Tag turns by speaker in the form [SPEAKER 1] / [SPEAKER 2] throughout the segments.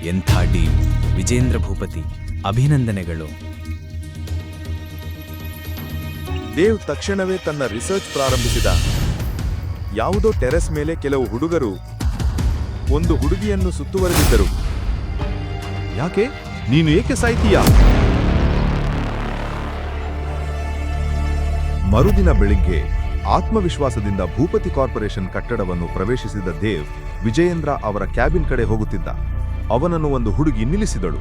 [SPEAKER 1] ಎಂಥ ಡೀಲ್ ವಿಜೇಂದ್ರ ಭೂಪತಿ, ಅಭಿನಂದನೆಗಳು.
[SPEAKER 2] ದೇವ್ ತಕ್ಷಣವೇ ತನ್ನ ರಿಸರ್ಚ್ ಪ್ರಾರಂಭಿಸಿದ. ಯಾವುದೋ ಟೆರೆಸ್ ಮೇಲೆ ಕೆಲವು ಹುಡುಗರು ಒಂದು ಹುಡುಗಿಯನ್ನು ಸುತ್ತುವರೆದಿದ್ದರು. ಯಾಕೆ? ನೀನು ಏಕೆ ಸಾಯ್ತೀಯಾ? ಮರುದಿನ ಬೆಳಿಗ್ಗೆ ಆತ್ಮವಿಶ್ವಾಸದಿಂದ ಭೂಪತಿ ಕಾರ್ಪೊರೇಷನ್ ಕಟ್ಟಡವನ್ನು ಪ್ರವೇಶಿಸಿದ ದೇವ್ ವಿಜಯೇಂದ್ರ ಅವರ ಕ್ಯಾಬಿನ್ ಕಡೆ ಹೋಗುತ್ತಿದ್ದ. ಅವನನ್ನು ಒಂದು ಹುಡುಗಿ ನಿಲ್ಲಿಸಿದಳು.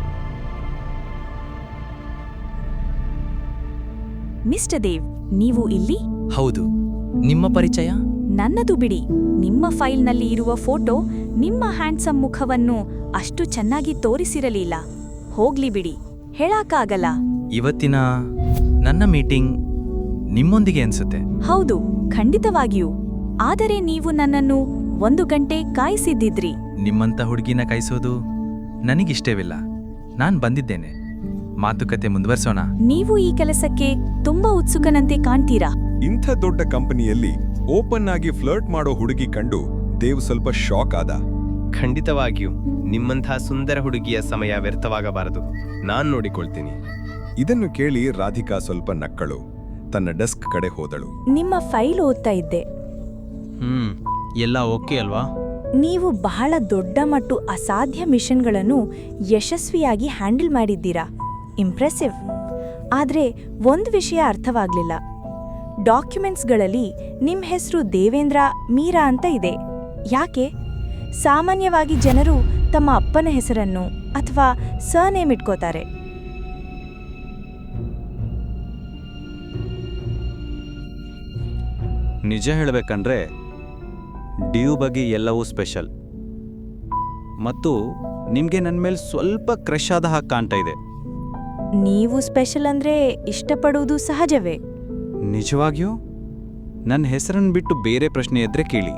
[SPEAKER 3] ಮಿಸ್ಟರ್ ದೇವ್, ನೀವು ಇಲ್ಲಿ?
[SPEAKER 1] ಹೌದು, ನಿಮ್ಮ ಪರಿಚಯ?
[SPEAKER 3] ನನ್ನದು ಬಿಡಿ. ನಿಮ್ಮ ಫೈಲ್ನಲ್ಲಿ ಇರುವ ಫೋಟೋ ನಿಮ್ಮ ಹ್ಯಾಂಡ್ಸಮ್ ಮುಖವನ್ನು ಅಷ್ಟು ಚೆನ್ನಾಗಿ ತೋರಿಸಿರಲಿಲ್ಲ. ಹೋಗ್ಲಿ ಬಿಡಿ, ಹೇಳಕ್ಕಾಗಲ್ಲ.
[SPEAKER 1] ಇವತ್ತಿನ ನನ್ನ ಮೀಟಿಂಗ್ ನಿಮ್ಮೊಂದಿಗೆ ಅನ್ಸುತ್ತೆ.
[SPEAKER 3] ಹೌದು, ಖಂಡಿತವಾಗಿಯೂ. ಆದರೆ ನೀವು ನನ್ನನ್ನು 1 ಗಂಟೆ ಕಾಯಿಸಿದ್ದಿದ್ರಿ.
[SPEAKER 1] ನಿಮ್ಮಂಥ ಹುಡುಗಿನ ಕಾಯಿಸೋದು ನನಗಿಷ್ಟವಿಲ್ಲ. ನಾನ್ ಬಂದಿದ್ದೇನೆ. ಮಾತುಕತೆ ಮುಂದುವರ್ಸೋಣ.
[SPEAKER 3] ನೀವು ಈ ಕೆಲಸಕ್ಕೆ ತುಂಬಾ ಉತ್ಸುಕನಂತೆ ಕಾಣ್ತೀರಾ.
[SPEAKER 2] ಇಂಥ ದೊಡ್ಡ ಕಂಪನಿಯಲ್ಲಿ ಓಪನ್ ಆಗಿ ಫ್ಲರ್ಟ್ ಮಾಡೋ ಹುಡುಗಿ ಕಂಡು ದೇವ್ ಸ್ವಲ್ಪ ಶಾಕ್ ಆದ.
[SPEAKER 4] ಖಂಡಿತವಾಗಿಯೂ ನಿಮ್ಮಂಥ ಸುಂದರ ಹುಡುಗಿಯ ಸಮಯ ವ್ಯರ್ಥವಾಗಬಾರದು. ನಾನ್ ನೋಡಿಕೊಳ್ತೀನಿ.
[SPEAKER 2] ಇದನ್ನು ಕೇಳಿ ರಾಧಿಕಾ ಸ್ವಲ್ಪ ನಕ್ಕಳು. ತನ್ನ ಡೆಸ್ಕ್ ಕಡೆ ಹೋದಳು.
[SPEAKER 3] ನಿಮ್ಮ ಫೈಲ್ ಓದ್ತಾ ಇದ್ದೆ.
[SPEAKER 1] ಎಲ್ಲ ಓಕೆ ಅಲ್ವಾ?
[SPEAKER 3] ನೀವು ಬಹಳ ದೊಡ್ಡ ಮತ್ತು ಅಸಾಧ್ಯ ಮಿಷನ್ಗಳನ್ನು ಯಶಸ್ವಿಯಾಗಿ ಹ್ಯಾಂಡಲ್ ಮಾಡಿದ್ದೀರಾ. ಇಂಪ್ರೆಸಿವ್. ಆದ್ರೆ ಒಂದು ವಿಷಯ ಅರ್ಥವಾಗ್ಲಿಲ್ಲ. ಡಾಕ್ಯುಮೆಂಟ್ಸ್ಗಳಲ್ಲಿ ನಿಮ್ಮ ಹೆಸರು ದೇವೇಂದ್ರ ಮೀರಾ ಅಂತ ಇದೆ. ಯಾಕೆ? ಸಾಮಾನ್ಯವಾಗಿ ಜನರು ತಮ್ಮ ಅಪ್ಪನ ಹೆಸರನ್ನು ಅಥವಾ ಸರ್ನೇಮ್ ಇಟ್ಕೋತಾರೆ.
[SPEAKER 5] ನಿಜ ಹೇಳಬೇಕಂದ್ರೆ ಡ್ಯೂ ಬಗ್ಗೆ ಎಲ್ಲವೂ ಸ್ಪೆಷಲ್. ಮತ್ತು ನಿಮಗೆ ನನ್ನ ಮೇಲೆ ಸ್ವಲ್ಪ ಕ್ರಶ್ ಆದ ಹಾಗೆ ಕಾಣ್ತಾ ಇದೆ.
[SPEAKER 3] ನೀವು ಸ್ಪೆಷಲ್ ಅಂದ್ರೆ ಇಷ್ಟಪಡುವುದು ಸಹಜವೇ.
[SPEAKER 5] ನಿಜವಾಗಿಯೂ? ನನ್ನ ಹೆಸರನ್ನು ಬಿಟ್ಟು ಬೇರೆ ಪ್ರಶ್ನೆ ಇದ್ರೆ ಕೇಳಿ.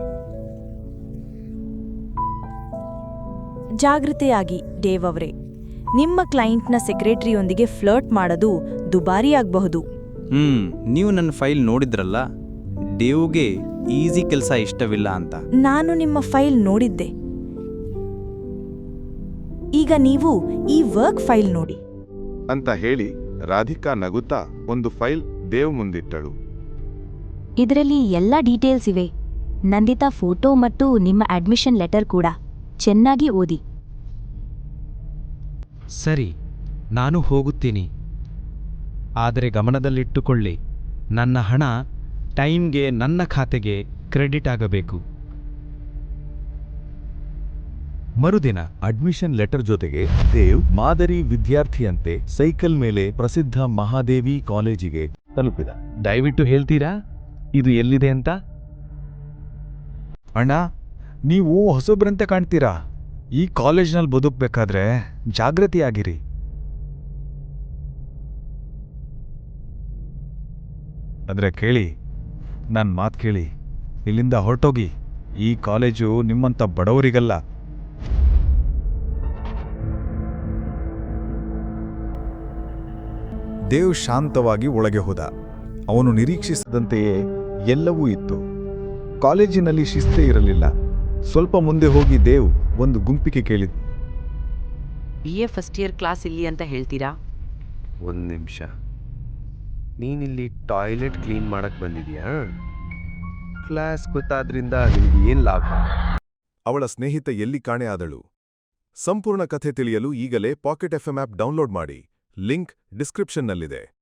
[SPEAKER 3] ಜಾಗೃತೆಯಾಗಿ ಡೇವ್ ಅವರೇ. ನಿಮ್ಮ ಕ್ಲೈಂಟ್ನ ಸೆಕ್ರೆಟರಿಯೊಂದಿಗೆ ಫ್ಲರ್ಟ್ ಮಾಡೋದು ದುಬಾರಿಯಾಗಬಹುದು.
[SPEAKER 5] ನೀವು ನನ್ನ ಫೈಲ್ ನೋಡಿದ್ರಲ್ಲ, ಡೇವ್ಗೆ ಈಸಿ ಕೆಲಸ ಇಷ್ಟವಿಲ್ಲ ಅಂತ.
[SPEAKER 3] ನಾನು ನಿಮ್ಮ ಫೈಲ್ ನೋಡಿದ್ದೆ. ಈಗ ನೀವು ಈ ವರ್ಕ್ ಫೈಲ್ ನೋಡಿ
[SPEAKER 2] ಅಂತ ಹೇಳಿ ರಾಧಿಕಾ ನಗುತ್ತಾ ಒಂದು ಫೈಲ್ ದೇವ್ ಮುಂದಿಟ್ಟಳು.
[SPEAKER 6] ಇದರಲ್ಲಿ ಎಲ್ಲ ಡೀಟೇಲ್ಸ್ ಇವೆ. ನಂದಿತಾ ಫೋಟೋ ಮತ್ತು ನಿಮ್ಮ ಅಡ್ಮಿಷನ್ ಲೆಟರ್ ಕೂಡ. ಚೆನ್ನಾಗಿ ಓದಿ.
[SPEAKER 7] ಸರಿ, ನಾನು ಹೋಗುತ್ತೀನಿ. ಆದರೆ ಗಮನದಲ್ಲಿಟ್ಟುಕೊಳ್ಳಿ, ನನ್ನ ಹಣ ಟೈಮ್ಗೆ ನನ್ನ ಖಾತೆಗೆ ಕ್ರೆಡಿಟ್ ಆಗಬೇಕು.
[SPEAKER 8] ಮರುದಿನ ಅಡ್ಮಿಷನ್ ಲೆಟರ್ ಜೊತೆಗೆ ದೇವ್ ಮಾದರಿ ವಿದ್ಯಾರ್ಥಿಯಂತೆ ಸೈಕಲ್ ಮೇಲೆ ಪ್ರಸಿದ್ಧ ಮಹಾದೇವಿ ಕಾಲೇಜಿಗೆ ತಲುಪಿದ.
[SPEAKER 7] ದಯವಿಟ್ಟು ಹೇಳ್ತೀರಾ ಇದು ಎಲ್ಲಿದೆ ಅಂತ?
[SPEAKER 8] ಅಣ್ಣ, ನೀವು ಹೊಸಬ್ರಂತೆ ಕಾಣ್ತೀರಾ. ಈ ಕಾಲೇಜ್ನಲ್ಲಿ ಬದುಕಬೇಕಾದ್ರೆ ಜಾಗೃತಿಯಾಗಿರಿ. ಆದರೆ ಕೇಳಿ, ನನ್ನ ಮಾತು ಕೇಳಿ. ಇಲ್ಲಿಂದ ಹೊರಟೋಗಿ. ಈ ಕಾಲೇಜು ನಿಮ್ಮಂಥ ಬಡವರಿಗಲ್ಲ. ದೇವ್ ಶಾಂತವಾಗಿ ಒಳಗೆ ಹೋದ. ಅವನು ನಿರೀಕ್ಷಿಸಿದಂತೆಯೇ ಎಲ್ಲವೂ ಇತ್ತು. ಕಾಲೇಜಿನಲ್ಲಿ ಶಿಸ್ತೇ ಇರಲಿಲ್ಲ. ಸ್ವಲ್ಪ ಮುಂದೆ ಹೋಗಿ ದೇವ್ ಒಂದು ಗುಂಪಿಗೆ ಕೇಳಿದ.
[SPEAKER 9] BA ಫಸ್ಟ್ ಇಯರ್ ಕ್ಲಾಸ್ ಇಲ್ಲಿ ಅಂತ ಹೇಳ್ತೀರಾ?
[SPEAKER 4] ಒಂದು ನಿಮಿಷ. ನೀನಿಲ್ಲಿ ಟಾಯ್ಲೆಟ್ ಕ್ಲೀನ್ ಮಾಡಕ್ ಬಂದಿದ್ಯಾ? ಕ್ಲಾಸ್ ಗೊತ್ತಾದ್ರಿಂದ ನಿಮ್ಗೆ ಏನ್ ಲಾಭ?
[SPEAKER 2] ಅವಳ ಸ್ನೇಹಿತ ಎಲ್ಲಿ ಕಾಣೆ ಆದಳು? ಸಂಪೂರ್ಣ ಕಥೆ ತಿಳಿಯಲು ಈಗಲೇ ಪಾಕೆಟ್ FM ಆಪ್ ಡೌನ್ಲೋಡ್ ಮಾಡಿ. ಲಿಂಕ್ ಡಿಸ್ಕ್ರಿಪ್ಷನ್ನಲ್ಲಿದೆ.